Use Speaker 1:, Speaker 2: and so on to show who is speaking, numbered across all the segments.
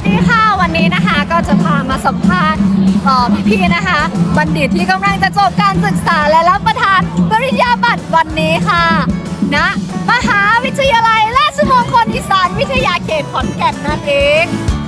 Speaker 1: ดีค่ะวันนี้นะคะก็จะพามาสัมภาษณ์พี่ๆนะคะบัณฑิตที่กำลังจะจบการศึกษาและรับประทานปริญญาบัตรวันนี้ค่ะณมหาวิทยาลัยราชมงคลอีสานวิทยาเขตขอนแก่นนั่นเอง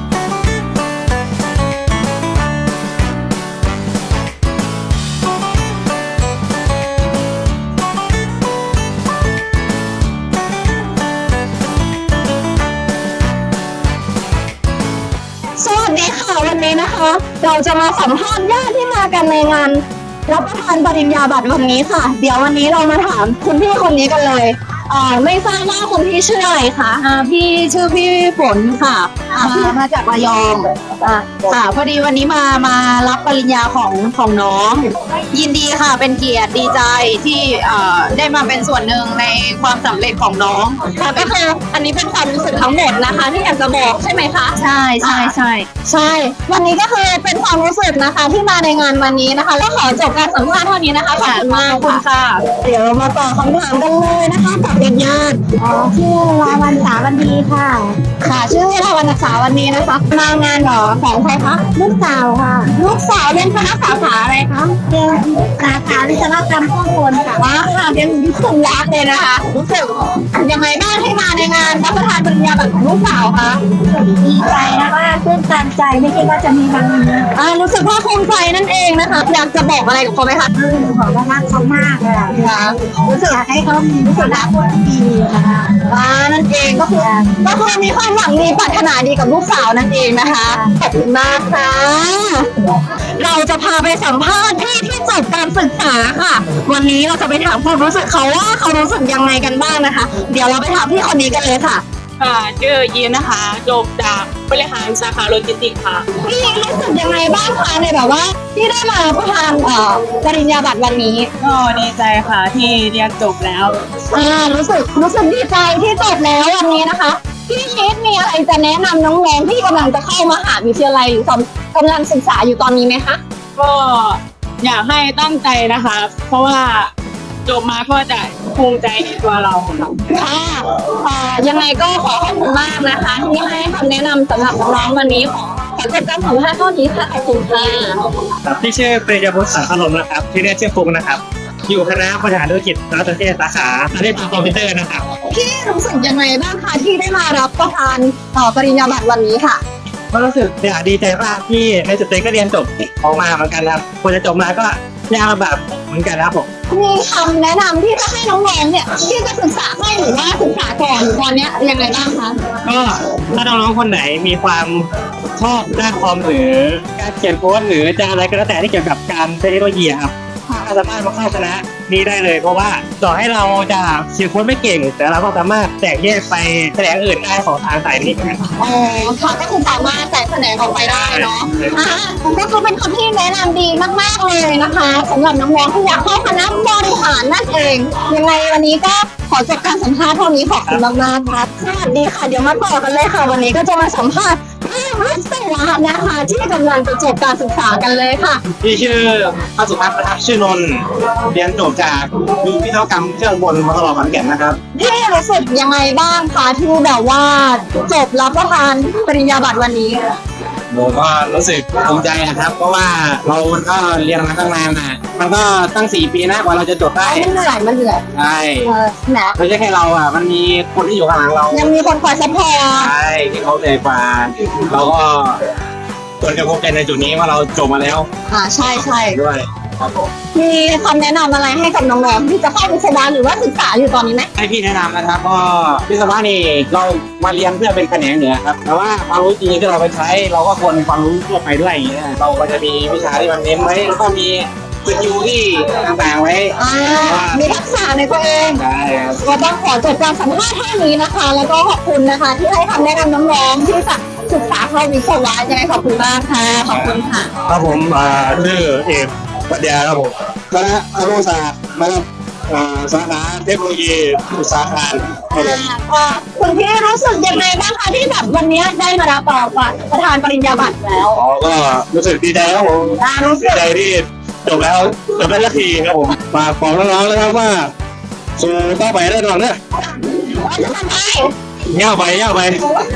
Speaker 2: สวัสดีค่ะวันนี้นะคะเราจะมาสัมภาษณ์ญาติที่มากันในงานรับประทานปริญญาบัตรวันนี้ค่ะเดี๋ยววันนี้เรามาถามคุณพี่คนนี้กันเลยไม่ทราบว่าคุณพี่ชื่ออะไรคะพี่ชื่อพี่ฝนค่ะมาจากระยองค่ะพอดีวันนี้มารับปริญญาของน้องยินดีค่ะเป็นเกียรติดีใจที่ได้มาเป็นส่วนหนึ่งในความสำเร็จของน้องค่ะก็คืออันนี้เป็นความรู้สึกทั้งหมดนะคะที่อยากจะบอกใช่ไหมคะใช่วันนี้ก็คือเป็นความรู้สึกนะคะที่มาในงานวันนี้นะคะแล้วขอจบการสัมภาษณ์เท่านี้นะคะขอบคุณมากค่ะเดี๋ยวมาตอบคำถามกันเลยนะคะกับญาติชื่อลาวันสาวันดีค่ะชื่อลาวันสาวันดีนะคะมางานหรอของใครคะลูกสาวค่ะลูกสาวเรียนคณะสาขาอะไรคะเรียนสาขาวิศวกรรมเครื่องกลค่ะว้าค่ะเรียนวิศวะเลยนะคะรู้สึกยังไงบ้างที่มาในงานรับประทานปริญญาบัตรของลูกสาวคะดีใจนะคะตื้นตันใจไม่คิดว่าจะมีวันนี้รู้สึกว่าภูมิใจนั่นเองนะคะอยากจะบอกอะไรกับเขาไหมคะขอรักเขามากเลยค่ะรู้สึกอยากให้เขามีวิสัยทัศน์ดีนะคะนั่นเองก็คือมีความหวังดีปรารถนาดีกับลูกสาวนั่นเองนะคะขอบคุณมากค่ะเราจะพาไปสัมภาษณ์พี่ที่จบการศึกษาค่ะวันนี้เราจะไปถามความรู้สึกเขาว่าเขารู้สึกยังไงกันบ้างนะคะเดี๋ยวเราไปถามพี่คนนี้กันเลยค่ะ
Speaker 3: ชื่อยีนนะคะจบจากบริหารสาขาโลจิสติกส์ค่ะ
Speaker 2: พี่รู้สึกยังไงบ้างคะในแบบว่าที่ได้มาประทานปริญญาบัตรวันนี้
Speaker 3: ก็ดีใจค่ะที่เรียนจบแล้ว
Speaker 2: รู้สึกดีใจที่จบแล้ววันนี้นะคะพี่นิดมีอะไรจะแนะนำน้องๆที่กำลังจะเข้ามหาวิทยาลัยหรือกำลังศึกษาอยู่ตอนนี้ไหมคะ
Speaker 3: ก็อยากให้ตั้งใจนะคะเพราะว่าจบมาก็จะภูมิใจในตัวเรา
Speaker 2: ค่ะยังไงก็ขอขอบคุณมากนะคะที่ให้คำแนะนำสำหรับน้องวันนี้ขอจบการสัมภาษณ์เท่านี้ค่ะขอบคุณค่ะ
Speaker 4: พี่ชื่อปริยพุทธสังคลมนะครับที่เรียกชื่อฟุกนะครับอยู่คณะบริหารธุรกิจและประเทศสาขาอาชีพคอมพิวเตอร์นะครับ
Speaker 2: พี่รู้สึกยังไงบ้างคะที่ได้มารับประทานปริญญาบัตรวันนี้ค่ะ
Speaker 4: ก็รู้สึกดีใจมากที่ในสุดท้ายก็เรียนจบออกมาเหมือนกันครับควรจะจบมาก็ยากลำบากเหมือนกันครับผม
Speaker 2: มีคำแนะนำที่จะให้น้องๆเนี่ยที่จะศึกษาให้หรือว่าศึกษาก่อนตอนนี้ยังไงบ้างคะ
Speaker 4: ก็ถ้าน้องๆคนไหนมีความชอบด้านคอมหรือการเขียนโค้ดหรือจะอะไรก็แล้วแต่ที่เกี่ยวกับการเทคโนโลยีครับสามารถมาเข้าคณะนี้ได้เลยเพราะว่าต่อให้เราจะเขียนโค้ดไม่เก่งแต่เราก็สามารถแตกแยกไปแขนงอื่นได้ของทางสายนี้กัน
Speaker 2: ค่ะก็คือสามารถแตกแขนงออกไปได้เนาะก็คือเป็นคำที่แนะนำดีมากๆเลยนะคะสำหรับน้องๆที่อยากเข้าคณะบริหารนั่นเองยังไงวันนี้ก็ขอจบการสัมภาษณ์เท่านี้ขอบคุณมากๆครับสวัสดีค่ะเดี๋ยวมาต่อกันเลยค่ะวันนี้ก็จะมาสัมภาษณ์พี่วิศวะนะคะที่กำลังจะจบการศึกษากันเลยค่ะ
Speaker 4: พี่ชื่อพระสุภัทรนะครับชื่อนนท์เรียนจบจากวิศวกรรมเครื่องบนมหาวิทยาลัยขอนแก่นนะครับ
Speaker 2: พี่รู้สึกยังไงบ้างคะที่แบบว่าจบรับประทานปริญญาบัตรวันนี้
Speaker 4: ผมก็รู้สึกภูมิใจนะครับเพราะว่าเราก็เรียนมาตั้งนานนะมันก็ตั้ง4 ปีนะกว่าเราจะจบได้
Speaker 2: มันเหนื่อย
Speaker 4: ใช่
Speaker 2: นะ
Speaker 4: ไม่ใช่แค่เราอ่ะมันมีคนที่อยู่ข้างหลังเรา
Speaker 2: ยังมีคนคอยซัพพอร์ต
Speaker 4: ใช่ที่เขาเหนื่อยกว่าเราก็ควรจะภูมิใจในจุดนี้ว่าเราจบมาแล้ว
Speaker 2: ใช่
Speaker 4: ด้วยครับผม
Speaker 2: มีคำแนะนำอะไรให้กับน้องๆที่จะเข้าวิศวะหรือว่าศึกษาอยู่ตอนนี้ไหม
Speaker 4: ให้พี่แนะนำนะครับก็วิศวะนี่เรามาเรียนเพื่อเป็นแขนงเหนือครับแต่ว่าความรู้จริงที่เราไปใช้เราก็ควรความรู้ทั่วไปด้วยอย่างเงี้ยเราก็จะมีวิชาที่มันเน้นไว้แล้วก็มีสกิลที่ต่างๆไว้
Speaker 2: มีทักษะในตัวเอง
Speaker 4: ใช่ครับ
Speaker 2: ก็ต้องขอจบการสัมภาษณ์เท่านี้นะคะแล้วก็ขอบคุณนะคะที่ให้คำแนะนำน้องๆที่จะศึกษาเข้าวิศวะยังไงขอบคุณมากค่ะขอบคุณค่ะ
Speaker 4: ครับผมชื่อเอกปัญญาครับผมคณะอนุศาสตร์นะครับสาขาเทคโนโลยีอุตสาหกรรม
Speaker 2: คุณพี่รู้สึกยังไงบ้างคะที่แบบวันนี้ได้มารับประทานปริญญาบัตรแล้ว
Speaker 4: ก็รู้สึกดีใจครับผมดีใจที่จบแล้วจบได้สักทีครับผมฝากบอกน้องๆนะครับว่าสู้ต่อไปได้ก่อนนะ
Speaker 2: จะทำได้
Speaker 4: เงี้ยไป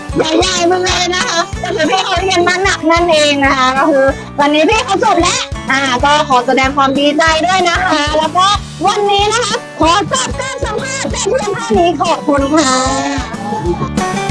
Speaker 2: ใหญ่ๆไปเลยนะคะก็คือพี่เขาเรียนมาหนักนั่นเองนะคะก็คือวันนี้พี่เขาจบแล้วก็ขอแสดงความดีใจด้วยนะคะ แล้วก็วันนี้นะคะขอจบการสัมภาษณ์แต่เพียงเท่านี้ขอบคุณค่ะ